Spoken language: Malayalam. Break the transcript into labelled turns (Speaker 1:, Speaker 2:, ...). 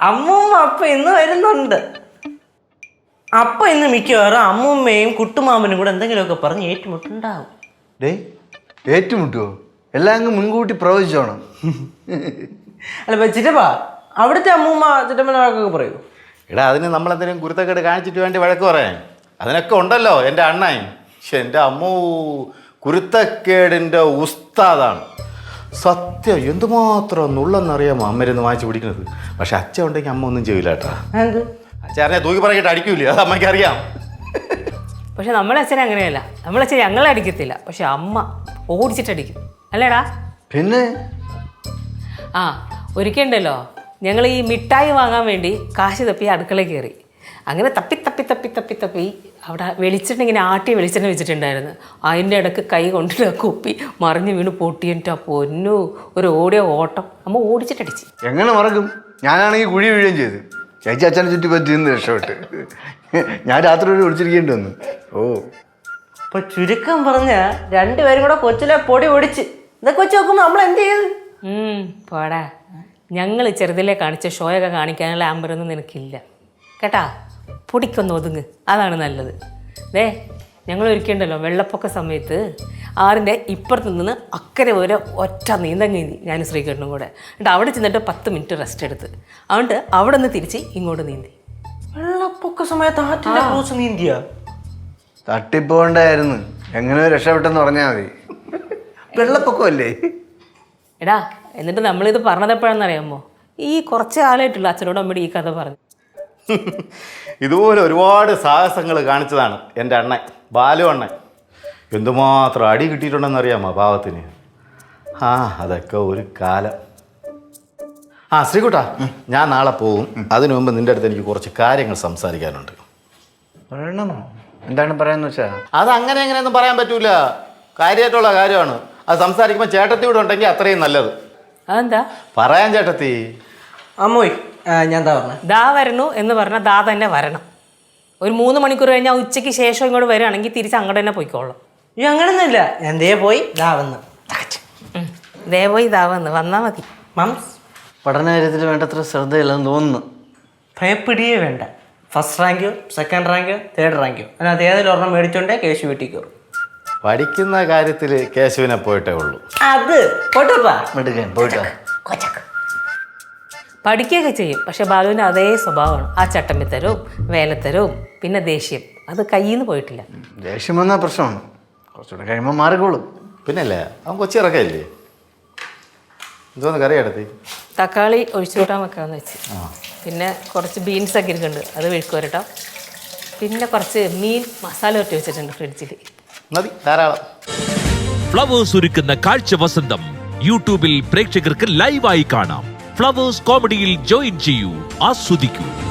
Speaker 1: അമ്മൂമ്മ അപ്പ ഇന്ന് വരുന്നുണ്ട്. അപ്പൊ ഇന്ന് മിക്കവാറും അമ്മൂമ്മയും കുട്ടുമാമനും കൂടെ എന്തെങ്കിലുമൊക്കെ പറഞ്ഞ് ഏറ്റുമുട്ടുണ്ടാവും.
Speaker 2: ഏറ്റുമുട്ടുവോ? എല്ലാം അങ്ങ് മുൻകൂട്ടി പ്രവചിച്ചോണം.
Speaker 1: അല്ല ചിറ്റപ്പാ, അവിടുത്തെ അമ്മൂമ്മ ചിറ്റപ്പനെ വഴക്കൊക്കെ പറയൂ?
Speaker 3: എടാ, അതിന് നമ്മളെന്തെങ്കിലും കുരുത്തക്കേട് കാണിച്ചിട്ട് വേണ്ടി വഴക്ക് പറയാൻ? അതിനൊക്കെ ഉണ്ടല്ലോ എൻ്റെ അണ്ണൻ. പക്ഷെ എൻ്റെ അമ്മൂ കുരുത്തക്കേടിൻ്റെ ഉസ്താദാണ്. സത്യം എന്തുമാത്രം നുള്ളെന്നറിയാമോ അമ്മരുന്ന് വാങ്ങിച്ച് പിടിക്കുന്നത്. പക്ഷെ അച്ഛൻ ഉണ്ടെങ്കിൽ അമ്മ ഒന്നും ചെയ്യില്ല കേട്ടാ. അച്ഛൻ അറിയാം, തൂക്കി പറയിട്ട് അടിക്കൂലേ, അത് അമ്മയ്ക്ക് അറിയാം.
Speaker 4: പക്ഷെ നമ്മളെ അച്ഛൻ അങ്ങനെയല്ല. നമ്മളച്ഛൻ ഞങ്ങളെ അടിക്കത്തില്ല, പക്ഷെ അമ്മ ഓടിച്ചിട്ടടിക്കും അല്ലേടാ?
Speaker 2: പിന്നെ
Speaker 4: ഒരിക്കലുണ്ടല്ലോ, ഞങ്ങൾ ഈ മിഠായി വാങ്ങാൻ വേണ്ടി കാശ് തപ്പി അടുക്കളയിൽ കയറി. അങ്ങനെ തപ്പി തപ്പി തപ്പി തപ്പി തപ്പി അവിടെ വെളിച്ചെണ്ണ ഇങ്ങനെ ആട്ടി വെളിച്ചെണ്ണ വെച്ചിട്ടുണ്ടായിരുന്നു. അതിൻ്റെ ഇടയ്ക്ക് കൈ കൊണ്ടിട്ട് കുപ്പി മറിഞ്ഞ് വീണ് പൊട്ടിയിട്ടാ പൊന്നു ഒരു ഓടിയ ഓട്ടം. അമ്മ ഓടിച്ചിട്ടടിച്ച്.
Speaker 2: എങ്ങനെ മറക്കും? ഞാനാണെങ്കിൽ കുഴി വീഴുകയും ചെയ്തു. ചേച്ചി അച്ഛനെ ചുറ്റി പറ്റിന്ന് രക്ഷപ്പെട്ട്. ഞാൻ രാത്രി ഒരു ഒളിച്ചിരിക്കേണ്ടി വന്നു.
Speaker 1: ഇപ്പൊ ചുരുക്കം പറഞ്ഞ രണ്ടുപേരും കൂടെ കൊച്ചിലെ പൊടി ഒടിച്ച് ഇതൊക്കെ വെച്ച് നോക്കുമ്പോ നമ്മൾ എന്ത് ചെയ്ത്?
Speaker 4: പോടാ, ഞങ്ങൾ ചെറുതിലെ കാണിച്ച ഷോയൊക്കെ കാണിക്കാനുള്ള ആമ്പരൊന്നും നിനക്കില്ല കേട്ടാ. പൊടിക്കൊന്ന് ഒതുങ്ങ്, അതാണ് നല്ലത്. ഞങ്ങൾ ഒരിക്കലുണ്ടല്ലോ വെള്ളപ്പൊക്ക സമയത്ത് ആറിൻ്റെ ഇപ്പുറത്ത് നിന്ന് അക്കരെ വരെ ഒറ്റ നീന്തി ഞാനും ശ്രീകണ്ഠനും കൂടെ. എന്നിട്ട് അവിടെ ചെന്നിട്ട് 10 മിനിറ്റ് റെസ്റ്റ് എടുത്ത് അതുകൊണ്ട് അവിടെ നിന്ന് തിരിച്ച് ഇങ്ങോട്ട് നീന്തി.
Speaker 1: വെള്ളപ്പൊക്ക സമയത്ത് ആറ്റിന്റെ ക്രൂസ് നീന്തിയ?
Speaker 2: തട്ടിപ്പോണ്ടായിരുന്നു. എങ്ങനെ രക്ഷപ്പെട്ടെന്ന് പറഞ്ഞാൽ മതി. വെള്ളപ്പൊക്കമല്ലേ
Speaker 4: എടാ. എന്നിട്ട് നമ്മളിത് പറഞ്ഞതെപ്പോഴാണെന്നറിയാമോ? ഈ കുറച്ച് കാലമായിട്ടുള്ള അച്ഛനോട് അമ്മയുടെ ഈ കഥ പറഞ്ഞു.
Speaker 3: ഇതുപോലെ ഒരുപാട് സാഹസങ്ങൾ കാണിച്ചതാണ് എൻ്റെ അണ്ണൻ, ബാലു അണ്ണൻ. എന്തുമാത്രം അടി കിട്ടിയിട്ടുണ്ടെന്ന് അറിയാമോ പാവത്തിന്? അതൊക്കെ ഒരു കാലം. ശ്രീകുട്ടാ, ഞാൻ നാളെ പോകും. അതിനു മുമ്പ് നിൻ്റെ അടുത്ത് എനിക്ക് കുറച്ച് കാര്യങ്ങൾ സംസാരിക്കാനുണ്ട്.
Speaker 2: പറയണം. എന്താണ് പറയാന്ന് വെച്ചാ?
Speaker 3: അത് അങ്ങനെ എങ്ങനെയൊന്നും പറയാൻ പറ്റൂല. കാര്യമായിട്ടുള്ള കാര്യമാണ്. അത് സംസാരിക്കുമ്പോൾ ചേട്ടത്തി കൂടെ ഉണ്ടെങ്കിൽ അത്രയും നല്ലത്.
Speaker 4: അതെന്താ
Speaker 3: പറയാൻ ചേട്ടത്തി?
Speaker 1: അമ്മോയ്, ഞാൻ
Speaker 4: ദാ വരണു എന്ന് പറഞ്ഞാൽ ദാ തന്നെ വരണം. ഒരു 3 മണിക്കൂർ കഴിഞ്ഞാൽ ഉച്ചയ്ക്ക് ശേഷം ഇങ്ങോട്ട് വരികയാണെങ്കിൽ തിരിച്ച് അങ്ങോട്ട് തന്നെ പോയിക്കോളാം.
Speaker 1: ഈ അങ്ങനെയൊന്നുമില്ല. ഞാൻ പോയി ദാ വന്ന്
Speaker 4: പോയി ദാ വന്നാൽ മതി.
Speaker 1: മംസ്
Speaker 2: പഠന കാര്യത്തിൽ വേണ്ടത്ര ശ്രദ്ധയില്ലെന്ന് തോന്നുന്നു.
Speaker 1: ഭയപ്പെടുകയേ വേണ്ട. ഫസ്റ്റ് റാങ്കോ സെക്കൻഡ് റാങ്കോ തേർഡ് റാങ്കോ അതിനകത്ത് ഏതെങ്കിലും ഒരെണ്ണം മേടിച്ചോണ്ടേ കേശു വീട്ടിൽ കയറും.
Speaker 3: പഠിക്കുന്ന കാര്യത്തിൽ കേശുവിനെ പോയിട്ടേ ഉള്ളൂ.
Speaker 1: അത് പോട്ടാ
Speaker 2: പോയിട്ടോ.
Speaker 4: പഠിക്കുകയൊക്കെ ചെയ്യും, പക്ഷെ ബാലുവിന് അതേ സ്വഭാവമാണ്. ആ ചട്ടമ്പിത്തരവും വേലത്തരവും പിന്നെ ദേഷ്യം, അത് കയ്യിൽ നിന്ന് പോയിട്ടില്ല.
Speaker 2: ദേഷ്യം വന്നാൽ പ്രശ്നമാണ്. കുറച്ചുകൂടെ കഴിയുമ്പോൾ മാറിക്കോളും.
Speaker 3: പിന്നല്ലേ, അവൻ കൊച്ചിറക്കല്ലേ. എന്തോന്ന് കറി എടുത്തി?
Speaker 4: തക്കാളി ഒഴിച്ചുകൂട്ടാൻ വെക്കാമെന്ന് വെച്ച്. പിന്നെ കുറച്ച് ബീൻസൊക്കെ ഇരിക്കുന്നുണ്ട്, അത് മെഴുക്ക് വരട്ടോ. പിന്നെ കുറച്ച് മീൻ മസാല ഒട്ടി വെച്ചിട്ടുണ്ട് ഫ്രിഡ്ജിൽ.
Speaker 3: മതി, ധാരാളം.
Speaker 5: ഫ്ലവേഴ്സ് ഒരുക്കുന്ന കാഴ്ച വസന്തം യൂട്യൂബിൽ പ്രേക്ഷകർക്ക് ലൈവായി കാണാം. ഫ്ലവേഴ്സ് കോമഡിയിൽ ജോയിൻ ചെയ്യൂ, ആസ്വദിക്കൂ.